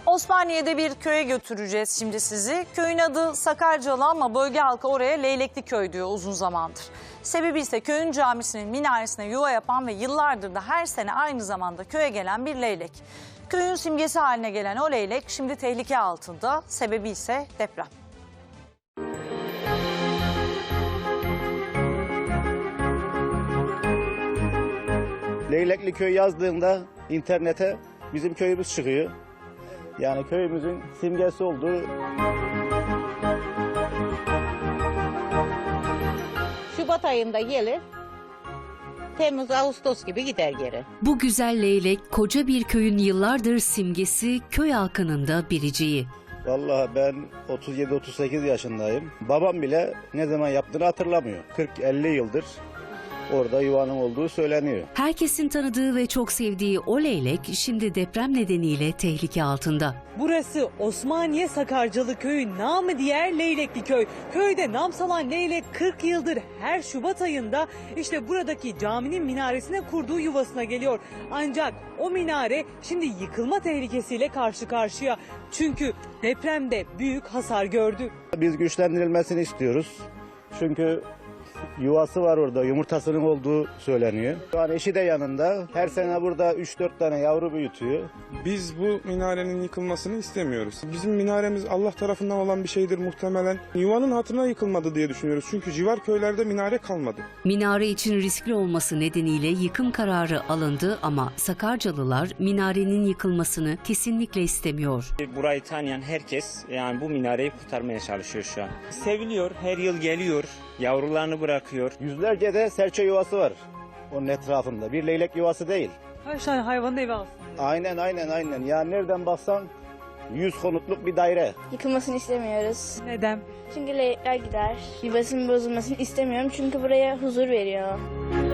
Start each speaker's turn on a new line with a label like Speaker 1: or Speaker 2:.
Speaker 1: Osmaniye'de bir köye götüreceğiz şimdi sizi. Köyün adı Sakarcalı ama bölge halkı oraya Leylekli Köy diyor uzun zamandır. Sebebi ise köyün camisinin minaresine yuva yapan ve yıllardır da her sene aynı zamanda köye gelen bir leylek. Köyün simgesi haline gelen o leylek şimdi tehlike altında. Sebebi ise deprem.
Speaker 2: Leylekli Köy yazdığında internete bizim köyümüz çıkıyor. Yani köyümüzün simgesi olduğu.
Speaker 3: Şubat ayında gelir, Temmuz, Ağustos gibi gider geri.
Speaker 4: Bu güzel leylek koca bir köyün yıllardır simgesi, köy halkının da biriciği.
Speaker 2: Vallahi ben 37-38 yaşındayım. Babam bile ne zaman yaptığını hatırlamıyor. 40-50 yıldır orada yuvanın olduğu söyleniyor.
Speaker 4: Herkesin tanıdığı ve çok sevdiği o leylek şimdi deprem nedeniyle tehlike altında.
Speaker 5: Burası Osmaniye Sakarcalı Köyü, namı diğer Leylekli Köy. Köyde nam salan leylek 40 yıldır her Şubat ayında işte buradaki caminin minaresine kurduğu yuvasına geliyor. Ancak o minare şimdi yıkılma tehlikesiyle karşı karşıya. Çünkü depremde büyük hasar gördü.
Speaker 2: Biz güçlendirilmesini istiyoruz. Çünkü yuvası var orada, yumurtasının olduğu söyleniyor. Şu an eşi de yanında. Her sene burada 3-4 tane yavru büyütüyor.
Speaker 6: Biz bu minarenin yıkılmasını istemiyoruz. Bizim minaremiz Allah tarafından olan bir şeydir muhtemelen. Yuvanın hatırına yıkılmadı diye düşünüyoruz. Çünkü civar köylerde minare kalmadı.
Speaker 4: Minare için riskli olması nedeniyle yıkım kararı alındı ama Sakarcalılar minarenin yıkılmasını kesinlikle istemiyor.
Speaker 7: Burayı tanıyan herkes yani bu minareyi kurtarmaya çalışıyor şu an. Seviliyor, her yıl geliyor, yavrularını bırakıyor.
Speaker 2: Yüzlerce de serçe yuvası var onun etrafında. Bir leylek yuvası değil.
Speaker 5: Kaç tane hayvanın evi aslında.
Speaker 2: Aynen. Yani nereden baksan 100 konutluk bir daire.
Speaker 8: Yıkılmasını istemiyoruz.
Speaker 5: Neden?
Speaker 8: Çünkü leylekler gider. Yuvasının bozulmasını istemiyorum çünkü buraya huzur veriyor.